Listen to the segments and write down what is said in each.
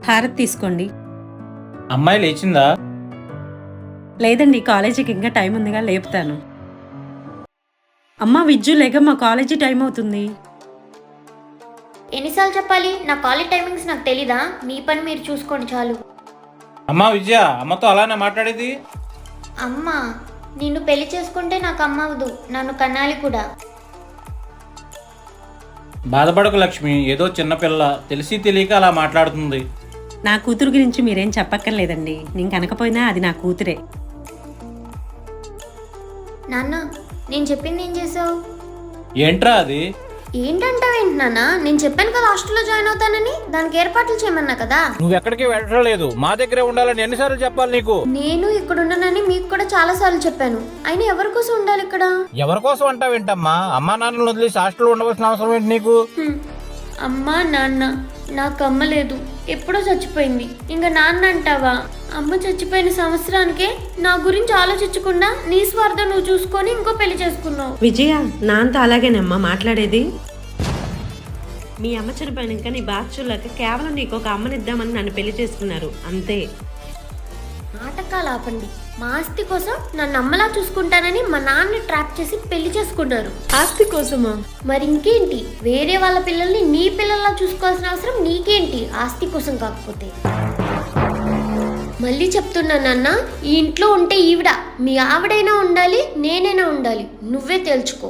హారతి తీసుకోండి. అమ్మాయి లేచిందా? లేదండి, కాలేజీకి ఇంకా టైం ఉందిగా, లేపుతాను. అమ్మా విజ్జు, లేకమ్మా, కాలేజీ టైం అవుతుంది. ఎన్నిసార్లు చెప్పాలి? నా కాలేజ్ టైమింగ్స్ నాకు తెలీదా? మీ పని మీరు చూసుకోండి చాలు. అమ్మా విజయ, అమ్మతో అలానే మాట్లాడేది? అమ్మ, నిన్ను పెళ్లి చేసుకుంటే నాకు అమ్మ అవదు, నన్ను కన్నాలి కూడా. బాధపడకు లక్ష్మి, ఏదో చిన్నపిల్ల, తెలిసి తెలియక అలా మాట్లాడుతుంది. నా కూతురు గురించి మీరేం చెప్పక్కర్లేదండి. నేను కనకపోయినా అది నా కూతురే. నాన్న, నేను చెప్పింది ఏం చేసావు? ఏంట్రా అది? ఏంటంటావేంటి నాన్న? నేను చెప్పాను కదా హాస్టల్లో జాయిన్ అవుతానని, దానికి ఏర్పాట్లు చేయమన్నా కదా. నువ్వెక్కడికి వెళ్ళలేదు, మా దగ్గరే ఉండాలని ఎన్నిసార్లు చెప్పాలి నీకు? నేను ఇక్కడ ఉన్నానని మీకు కూడా చాలా సార్లు చెప్పాను. అయినా ఎవరి కోసం ఉండాలి ఇక్కడ? ఎవరి కోసం అంటావేంటమ్మా? అమ్మా నాన్నలు వదిలేసి హాస్టల్లో ఉండవలసిన అవసరం ఏంటి నీకు? అమ్మా నాన్న, నాకు అమ్మ లేదు, ఎప్పుడో చచ్చిపోయింది. ఇంకా నాన్న అంటావా? అమ్మ చచ్చిపోయిన సంవత్సరానికే నా గురించి ఆలోచించకుండా నీ స్వార్థం నువ్వు చూసుకొని ఇంకో పెళ్లి చేసుకున్నావు. విజయ, నాన్నతో అలాగేనమ్మా మాట్లాడేది. మీ అమ్మ చనిపోయినాక నీ బాధ చూడలేక కేవలం నీకు ఒక అమ్మనిద్దామని నన్ను పెళ్లి చేసుకున్నారు, అంతే. నాటకాలు ఆపండి. మా ఆస్తి కోసం నన్ను అమ్మలా చూసుకుంటానని మా నాన్న ట్రాప్ చేసి పెళ్లి చేసుకున్నారు. ఆస్తి కోసమా? మరి ఇంకేంటి, వేరే వాళ్ళ పిల్లల్ని నీ పిల్లల్లా చూసుకోవాల్సిన అవసరం నీకేంటి, ఆస్తి కోసం కాకపోతే? మళ్ళీ చెప్తున్నా నాన్న, ఈ ఇంట్లో ఉంటే ఈవిడ, మీ ఆవిడైనా ఉండాలి, నేనైనా ఉండాలి. నువ్వే తేల్చుకో.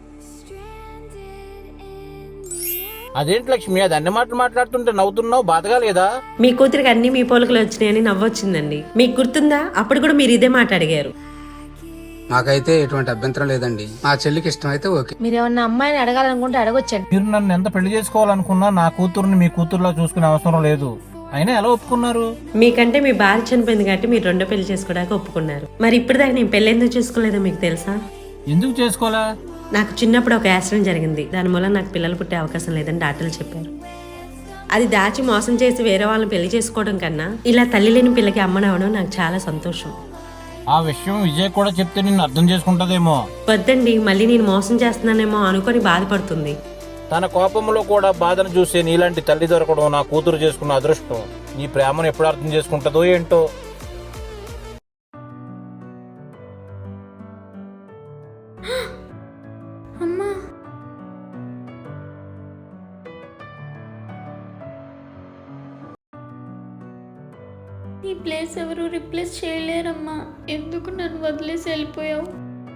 అదేంటి లక్ష్మి, అది అన్ని మాటలు మాట్లాడుతుంటే నవ్వుతున్నావు, బాధగా లేదా? మీ కూతురికి అన్ని మీ పోలికలు వచ్చినాయని నవ్వొచ్చిందండి. మీకు గుర్తుందా? అప్పుడు కూడా మీరు ఇదే మాట అడిగారు. మాకైతే ఎటువంటి అభ్యంతరం లేదండి. మా చెల్లికి ఇష్టం అయితే ఓకే. మీరేమన్నా అమ్మాయిని అడగాలనుకుంటే అడగొచ్చండి. మీరు నన్ను ఎంత పెళ్లి చేసుకోవాలనుకున్నా నా కూతుర్ని మీ కూతురులా చూసుకునే అవసరం లేదు. అయినా ఎలా ఒప్పుకున్నారు? మీకంటే మీ భార్య చనిపోయింది కాబట్టి మీరు రెండో పెళ్లి చేసుకోవడానికి ఒప్పుకున్నారు. మరి ఇప్పుడు దాకా నేను పెళ్లి ఎందుకు చేసుకోలేదో మీకు తెలుసా? ఎందుకు చేసుకోవాలా? నాకు చిన్నప్పుడు ఒక యాక్సిడెంట్ జరిగింది. దాని మూలం నాకు పిల్లలు పుట్టే అవకాశం లేదని డాక్టర్లు చెప్పారు. అది దాచి మోసం చేసి వేరే వాళ్ళని పెళ్లి చేసుకోవడం కన్నా ఇలా తల్లి లేని పిల్లకి అమ్మనవడం నాకు చాలా సంతోషం. ఆ విషయం విజయ్ కూడా చెప్తే నిన్ను అర్థం చేసుకుంటదేమో. వద్దండి, మళ్ళీ నేను మోసం చేస్తున్నానేమో అనుకొని బాధపడుతుంది. తన కోపంలో కూడా బాధను చూసే నీలాంటి తల్లి దొరకడం నా కూతురు చేసుకున్న అదృష్టం. నీ ప్రేమను ఎప్పుడు అర్థం చేసుకుంటుందో ఏంటో. అమ్మా, ఈ ప్లేస్ ఎవరు రిప్లేస్ చేయలేరమ్మా. ఎందుకు నన్ను వదిలేసి వెళ్ళిపోయావు?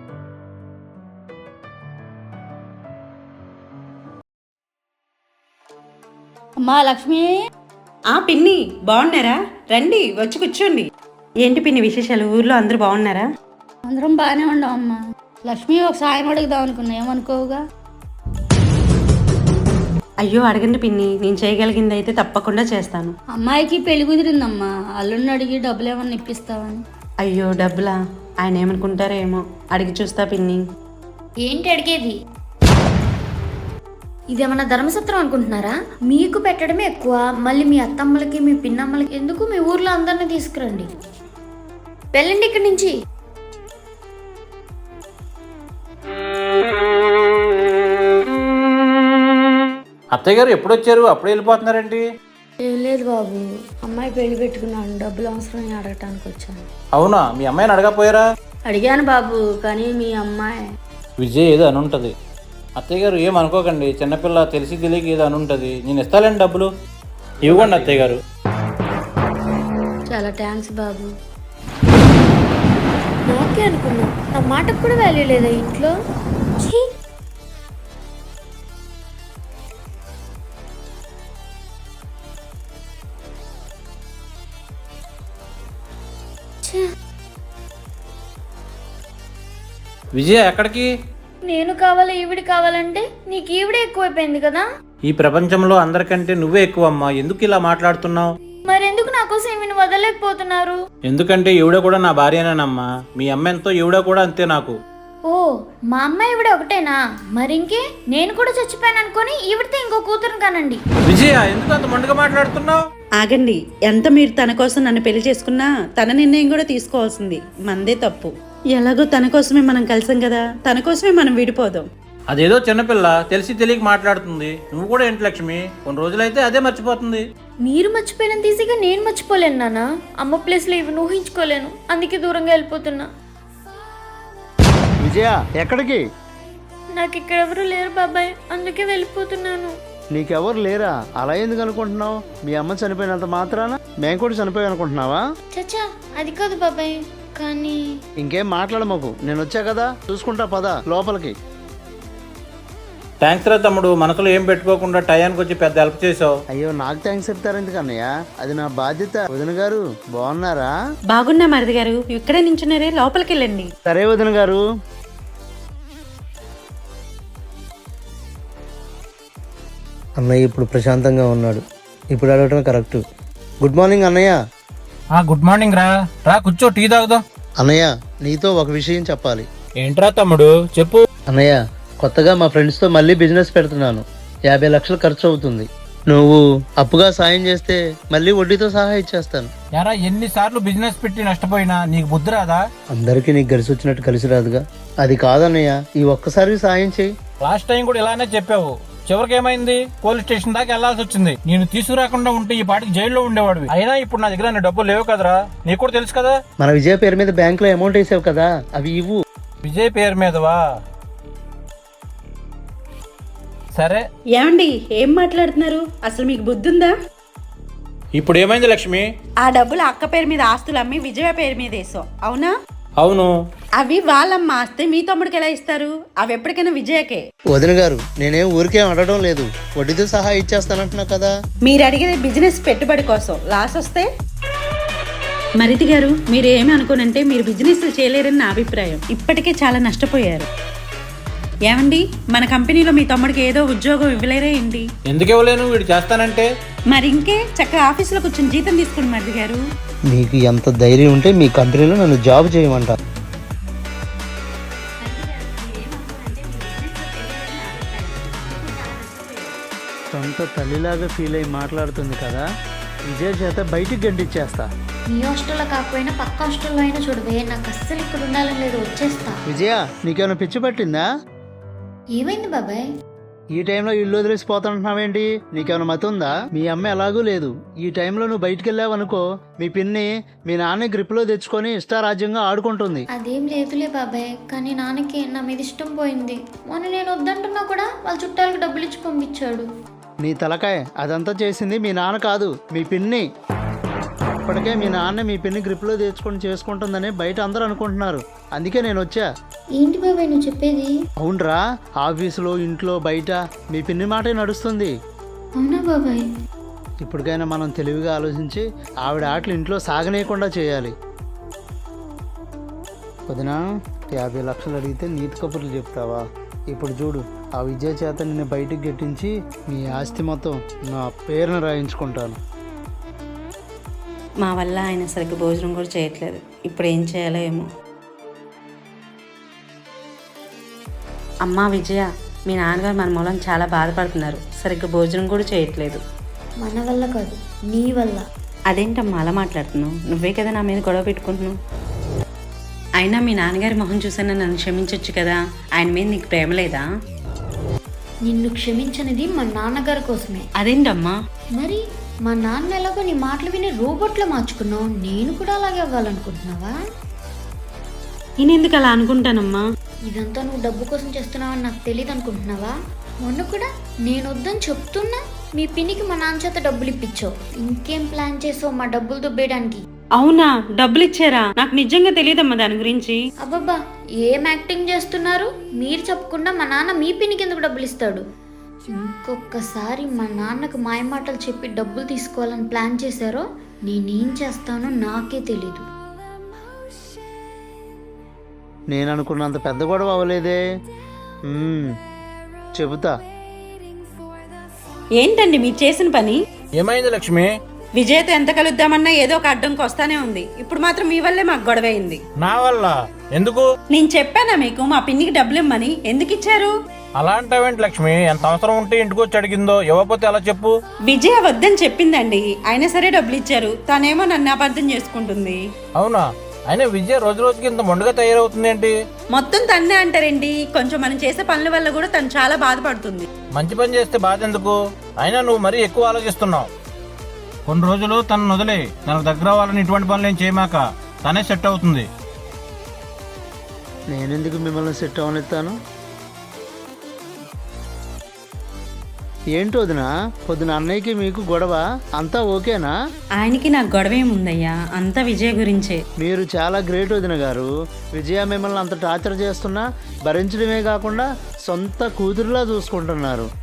అమ్మా లక్ష్మి. పిన్ని, బాగున్నారా? రండి, వచ్చి కూర్చోండి. ఏంటి పిన్ని విశేషాలు? ఊర్లో అందరూ బాగున్నారా? అందరం బాగానే ఉన్నాం అమ్మా. లక్ష్మి, ఒక సాయం అడుగుదాం అనుకున్నా, ఏమనుకోవుగా? అయ్యో అడగండి పిన్ని, నేను చేయగలిగింది అయితే తప్పకుండా చేస్తాను. అమ్మాయికి పెళ్లి కుదిరిందమ్మా. అల్లుడిని అడిగి డబ్బులు ఏమన్నా ఇప్పిస్తావని. అయ్యో డబ్బులా? ఆయన ఏమనుకుంటారో ఏమో. అడిగి చూస్తా పిన్ని. ఏంటి అడిగేది? ఇదేమన్నా ధర్మసత్రం అనుకుంటున్నారా? మీకు పెట్టడమే ఎక్కువ, మళ్ళీ మీ అత్తమ్మలకి మీ పిన్నమ్మలకి ఎందుకు? మీ ఊర్లో అందరినీ తీసుకురండి, వెళ్ళండి ఇక్కడి నుంచి. అత్తయ్య గారు ఎప్పుడు వచ్చారు? అప్పుడే వెళ్ళిపోతున్నారండి? ఏం లేదు బాబు, అమ్మాయి పెళ్లి పెట్టుకున్నాను, డబ్బులు అవసరం అడగటానికి వచ్చాను. అవునా? మీ అమ్మాయిని అడగపోయారా? అడిగాను బాబు, కానీ మీ అమ్మాయి విజయ్ ఏదో అనుంటది. అత్తయ్య గారు ఏం అనుకోకండి, చిన్నపిల్ల, తెలిసి తెలియక ఏదో అనుంటది. నేను ఇస్తాలేండి డబ్బులు. ఇవ్వండి అత్తయ్య గారు. చాలా థ్యాంక్స్ బాబు. నాకే అనుకున్నా, నా మాటకు కూడా వాల్యూ లేదా ఇంట్లో? ఛీ! విజయ ఎక్కడికి? నేను కావాలా ఈవిడ కావాలంటే నీకు ఈవిడే ఎక్కువైపోయింది కదా. ఈ ప్రపంచంలో అందరికంటే నువ్వే ఎక్కువ అమ్మా. ఎందుకు ఇలా మాట్లాడుతున్నావు? మరెందుకు నా కోసం ఈవిని వదలలేకపోతున్నారు? ఎందుకంటే ఈవిడ కూడా నా భార్యనేనమ్మా. మీ అమ్మ ఎంతో, ఈవిడ కూడా అంతే నాకు. ఓ, మా అమ్మ ఈవిడ ఒకటేనా? మరింకే, నేను కూడా చచ్చిపోయాను అనుకొని ఈవిడితే ఇంకో కూతురుని కానండి. విజయ, ఎందుకు అంత మొండిగా మాట్లాడుతున్నావు? ఆగండి, ఎంత మీరు తన కోసం నన్ను పెళ్లి చేసుకున్నా తన నిర్ణయం కూడా తీసుకోవాల్సింది. మందే తప్పు. ఎలాగో తన కోసమే మనం కలిసాం కదా, తన కోసమే మనం విడిపోదాం. అదేదో చిన్నపిల్ల, తెలిసి తెలియక మాట్లాడుతుంది. నువ్వు కూడా ఏంటి లక్ష్మి, కొన్ని రోజులైతే అదే మర్చిపోతుంది. మీరు మర్చిపోయినంత ఈజీగా నేను మర్చిపోలేను నాన్న. అమ్మ ప్లేస్లో ఇవి ఊహించుకోలేను, అందుకే దూరంగా వెళ్ళిపోతున్నా. విజయ ఎక్కడికి? నాకు ఇక్కడ ఎవరు లేరు బాబాయ్, అందుకే వెళ్ళిపోతున్నాను. నీకెవరు లేరా? అలా ఎందుకు అనుకుంటున్నావు? మీ అమ్మ చనిపోయినంత మాత్రాన మేము కూడా చనిపోయి అనుకుంటున్నావా? చచ్చా, అది కాదు బాబాయ్, కానీ ఇంకేం మాట్లాడమాకు, నేను వచ్చా కదా చూసుకుంటా, పద లోపలికి. థ్యాంక్స్ రా తమ్ముడు, మనసులో ఏం పెట్టుకోకుండా టయానికి వచ్చి పెద్ద హెల్ప్ చేసావు. అయ్యో నాకు థ్యాంక్స్ చెప్తారు ఎందుకన్నయ్య, అది నా బాధ్యత. వదిన గారు బాగున్నారా? బాగున్నా మరిది గారు, ఇక్కడే నించున్నారే, లోపలికి వెళ్ళండి. సరే వదిన గారు. అన్నయ్య ఇప్పుడు ప్రశాంతంగా ఉన్నాడు. ఇప్పుడు అడగటం కరెక్ట్. గుడ్ మార్నింగ్ అన్నయ్య. గుడ్ మార్నింగ్ రా. రా కూర్చో, టీ తాగుదాం. అన్నయ్య నీతో ఒక విషయం చెప్పాలి. ఏంట్రా తమ్ముడు చెప్పు. అన్నయ్య కొత్తగా మా ఫ్రెండ్స్తో మళ్ళీ బిజినెస్ పెడుతున్నాను. 50 లక్షలు ఖర్చు అవుతుంది. నువ్వు అప్పుగా సాయం చేస్తే మళ్ళీ వడ్డీతో సహా ఇచ్చేస్తాను. యారా ఎన్నిసార్లు బిజినెస్ పెట్టి నష్టపోయినా నీకు బుద్ధి రాదా? అందరికీ నీకు కలిసి వచ్చినట్టు కలిసి రాదుగా. అది కాదన్నయ్య, ఈ ఒక్కసారి సాయం చేయి. లాస్ట్ టైం కూడా ఇలానే చెప్పావు. చివరికి ఏమైంది? పోలీస్ స్టేషన్ దాకా వెళ్లాల్సి వచ్చింది. నేను తీసుకురాకుండా ఉంటే ఈ పాటికి జైల్లో ఉండేవాడివి. అయినా ఇప్పుడు నా దగ్గర డబ్బులు లేవు కదరా, నీకు కూడా తెలుసు కదా. మన విజయ పేరు మీద బ్యాంకులో అమౌంట్ వేసావు కదా, అవి ఇవ్వు. విజయ్ పేరు మీదవా? సరే. ఏమండి ఏం మాట్లాడుతున్నారు? అసలు మీకు బుద్ధి ఉందా? ఇప్పుడు ఏమైంది లక్ష్మి? ఆ డబ్బులు అక్క పేరు మీద ఆస్తులు అమ్మి విజయ పేరు మీద వేసావు, అవునా? అవును. అవి వాళ్ళమ్మ ఆస్తే మీ తమ్ముడికి ఎలా ఇస్తారు? అవి ఎప్పటికైనా విజయకే. వదిన గారు నేనేం ఊరికేం అడగడం లేదు, వడ్డీతో సహా ఇచ్చేస్తానంటున్నా కదా. మీరు అడిగేది బిజినెస్ పెట్టుబడి కోసం, లాస్ వస్తే? మరిది గారు మీరు ఏమి అనుకోనంటే మీరు బిజినెస్ చేయలేరని నా అభిప్రాయం. ఇప్పటికే చాలా నష్టపోయారు. ఏమండి మన కంపెనీలో మీ తమ్ముడికి ఏదో ఉద్యోగం ఇవ్వలేరే ఏంటి? ఎందుకు ఇవ్వలేను? వీడు చేస్తానంటే. మరి ఇంకే చక్కగా ఆఫీసులో కూర్చొని జీతం తీసుకోండి మరిది గారు. మీకు ఎంత ధైర్యం ఉంటే మీ కంపెనీలో నన్ను జాబ్ చేయమంట. సొంత తల్లిలాగా ఫీల్ అయ్యి మాట్లాడుతుంది కదా. విజయ చేత బయటికి గంటిచ్చేస్తా. మీ హాస్టల్లో కాకపోయినా పక్క హాస్టల్లో అయినా చూడవే, నాకు అస్సలు ఇక్కడ ఉండాలని లేదు, వచ్చేస్తా. విజయ నీకేమైనా పిచ్చి పట్టిందా? ఏమైంది బాబాయ్? ఈ టైంలో ఇల్లు వదిలేసి పోతాంటున్నావేంటి? నీకేమైనా మతి ఉందా? మీ అమ్మ ఎలాగూ లేదు. ఈ టైంలో నువ్వు బయటికి వెళ్ళావనుకో మీ పిన్ని మీ నాన్న గ్రిప్లో తెచ్చుకొని ఇష్టారాజ్యంగా ఆడుకుంటుంది. అదేం లేదులే బాబాయ్, కానీ నాన్నకి నా మీద ఇష్టం పోయింది. మొన్న నేను వద్దంటున్నా కూడా వాళ్ళ చుట్టాలకు డబ్బులు ఇచ్చి పంపించాడు. నీ తలకాయ, అదంతా చేసింది మీ నాన్న కాదు మీ పిన్ని. ఇప్పటికే మీ నాన్న మీ పిన్ని గ్రిప్లో తెచ్చుకొని చేసుకుంటుందని బయట అందరూ అనుకుంటున్నారు. అందుకే నేను వచ్చా. ఏంటి బాబాయ్ నువ్వు చెప్పేది? అవునరా, ఆఫీసులో ఇంట్లో బయట మీ పిన్ని మాటే నడుస్తుంది. అవునా బాబాయ్? ఇప్పటికైనా మనం తెలివిగా ఆలోచించి ఆవిడ ఆటలు ఇంట్లో సాగనేయకుండా చేయాలి. వదినా 50 లక్షలు అడిగితే నీతి కబుర్లు చెప్తావా? ఇప్పుడు చూడు, ఆ విజయ చేత నిన్ను బయటికి గట్టించి మీ ఆస్తి మొత్తం నా పేరున రాయించుకుంటాను. మా వల్ల ఆయన సరిగ్గా భోజనం కూడా చేయట్లేదు. ఇప్పుడు ఏం చేయాలో ఏమో. అమ్మా విజయ, మీ నాన్నగారు మన మూలం చాలా బాధపడుతున్నారు. సరిగ్గా భోజనం కూడా చేయట్లేదు. మన వల్ల కాదు, నీ వల్ల. అదేంటమ్మా అలా మాట్లాడుతున్నావు? నువ్వే కదా నా మీద గొడవ పెట్టుకుంటున్నావు. అయినా మీ నాన్నగారి మొహం చూసైనా నన్ను క్షమించవచ్చు కదా. ఆయన మీద నీకు ప్రేమ లేదా? నిన్ను క్షమించనిది మా నాన్నగారి కోసమే. అదేంటమ్మా? మరి మా నాన్న ఎలాగో నీ మాటలు విని రోబోట్లో మార్చుకున్నావు, నేను కూడా అలాగే అవ్వాలనుకుంటున్నావా? నేను ఎందుకు అలా అనుకుంటానమ్మా? ఇదంతా నువ్వు డబ్బు కోసం చేస్తున్నావని నాకు తెలియదు అనుకుంటున్నావా? మొన్న కూడా నేను వద్దని చెప్తున్నా మీ పిన్నికి మా నాన్న చేత డబ్బులు ఇప్పించావు. ఇంకేం ప్లాన్ చేసావు మా డబ్బులు దుబ్బేయడానికి? అవునా, డబ్బులు ఇచ్చారా? నాకు నిజంగా తెలియదమ్మా దాని గురించి. అబ్బబ్బా, ఏం యాక్టింగ్ చేస్తున్నారు? మీరు చెప్పకుండా మా నాన్న మీ పిన్నికి ఎందుకు డబ్బులు ఇస్తాడు? ఇంకొకసారి మా నాన్నకు మాయమాటలు చెప్పి డబ్బులు తీసుకోవాలని ప్లాన్ చేశారో నేనేం చేస్తానో నాకే తెలీదు. నేను అనుకున్నంత పెద్ద గొడవ అవ్వలేదే. చెబుతా. ఏంటండి మీరు చేసిన పని? ఏమైంది లక్ష్మి? విజయ్తో ఎంత కలుద్దామన్నా ఏదో ఒక అడ్డంకి వస్తానే ఉంది. ఇప్పుడు మాత్రం మీ వల్లే మాకు గొడవ అయింది. నా వల్ల ఎందుకు? నేను చెప్పానా మీకు మా పిన్నికి డబ్బులు ఇమ్మని? ఎందుకు ఇచ్చారు? అలా అంటావేంటి లక్ష్మి? ఎంత అవసరం ఉంటే ఇంటికి వచ్చి అడిగిందో, ఇవ్వకపోతే ఎలా చెప్పు? విజయ వద్దని చెప్పిందండి, అయినా సరే డబ్బులు ఇచ్చారు. తనేమో నన్ను అబద్ధం చేసుకుంటుంది. అవునా? అయినా విజయ రోజు రోజుకి ఇంత మొండగా తయారవుతుంది ఏంటి? మొత్తం తన్నే అంటారండి. కొంచెం మనం చేసే పనుల వల్ల కూడా తను చాలా బాధపడుతుంది. మంచి పని చేస్తే బాధ ఎందుకు? అయినా నువ్వు మరీ ఎక్కువ ఆలోచిస్తున్నావు. కొన్ని రోజులు తనను వదిలే. తనకు దగ్గర అవ్వాలని ఇటువంటి పనులు ఏం చేయమాక. తనే సెట్ అవుతుంది. నేనెందుకు మిమ్మల్ని సెట్ అవనిస్తాను? ఏంటి వదినా, పొద్దున అన్నయ్యకి మీకు గొడవ? అంతా ఓకేనా? ఆయనకి నాకు గొడవ ఏముందయ్యా, అంతా విజయ్ గురించే. మీరు చాలా గ్రేట్ వదిన గారు. విజయ మిమ్మల్ని అంత టార్చర్ చేస్తున్నా భరించడమే కాకుండా సొంత కూతురులా చూసుకుంటున్నారు.